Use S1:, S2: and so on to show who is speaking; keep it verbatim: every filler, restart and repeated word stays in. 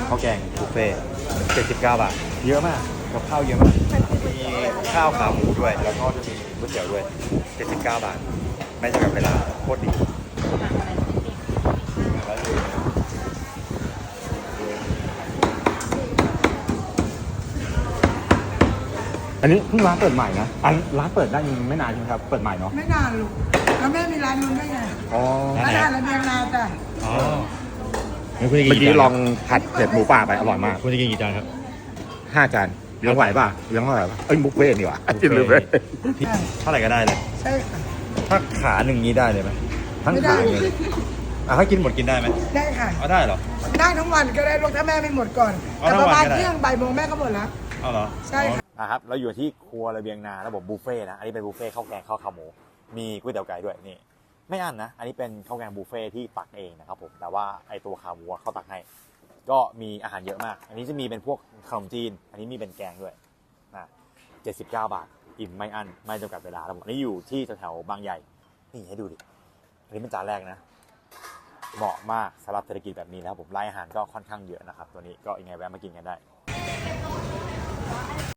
S1: ข้าวแกงบุฟเฟ่เจ็ดสิบเก้าบาทเยอะมากกับข้าวเยอะมากมีข้าวขาหมูด้วยแล้วก็จะมีก๋วยเตี๋ยวด้วยเจ็ดสิบเก้าบาทไม่จำกัดเวลาโคตรดีอันนี้เพิ่งร้านเปิดใหม่นะอันร้านเปิดได้ยังไม่นานใช่ไหมครับเปิดใหม่เนาะ
S2: ไม่นานลูกแล้วแม่มีร้านนู้นด้วยไง
S1: อ๋อ
S2: ร้านอาหารระเบียงนาจ้ะ
S1: อ๋อ
S3: เมื่อกี้ลองผัดเผ็ดหมูป่าไปอร่อยมาก
S1: คุณจะกินกี่จานครับ
S3: ห้าจานเลี้ยงไหวป่ะเลี้ยงเท่าไหร่ป่ะเอ้ยบุฟเฟ่ต์นี่หว่ากินเลย
S1: เท่าไหร่ก็ได้เลย
S2: ใช่ค่ะ
S1: ถ้าขาหนึ่งนี้ได้เลยไหมทั้งขาเลยอ่ะถ้ากินหมดกินได้ไหม
S2: ได้ค่ะ
S1: เอาได้เหรอ
S2: ได้ทั้งวันก็ได้ลูกถ้าแม่ไม่หมดก่อน
S1: เอา
S2: แต่
S1: ทั้
S2: ป
S1: งวัน
S2: ระมาณ
S1: ก็ได้
S2: เที่ยงบ่ายโมงแม่ก็หมดแล้ว
S1: เอาเหรอ
S2: ใช่ค่ะ
S1: อ่ะครับเราอยู่ที่ครัวระเบียงนาระบบบุฟเฟ่ต์นะอันนี้เป็นบุฟเฟ่ต์ข้าวแกงข้าวขาหมูมีก๋วยเตี๋ยวไก่ด้วยนี่ไม่อั้นนะอันนี้เป็นข้าวแกงบุฟเฟ่ต์ที่ตักเองนะครับผมแต่ว่าไอตัวขาหมูเขาตักให้ก็มีอาหารเยอะมาก อันนี้จะมีเป็นพวกขนมจีนอันนี้มีเป็นแกงด้วยนะเจ็ดสิบเก้าบาทอิ่มไม่อั้นไม่จำกัดเวลาแล้วผมอันนี้อยู่ที่แถวๆบางใหญ่นี่ให้ดูดิอันนี้เป็นจานแรกนะเหมาะมากสำหรับเศรษฐกิจแบบนี้นะครับผมรายอาหารก็ค่อนข้างเยอะนะครับตัวนี้ก็ยังไงแวะมากินกันได้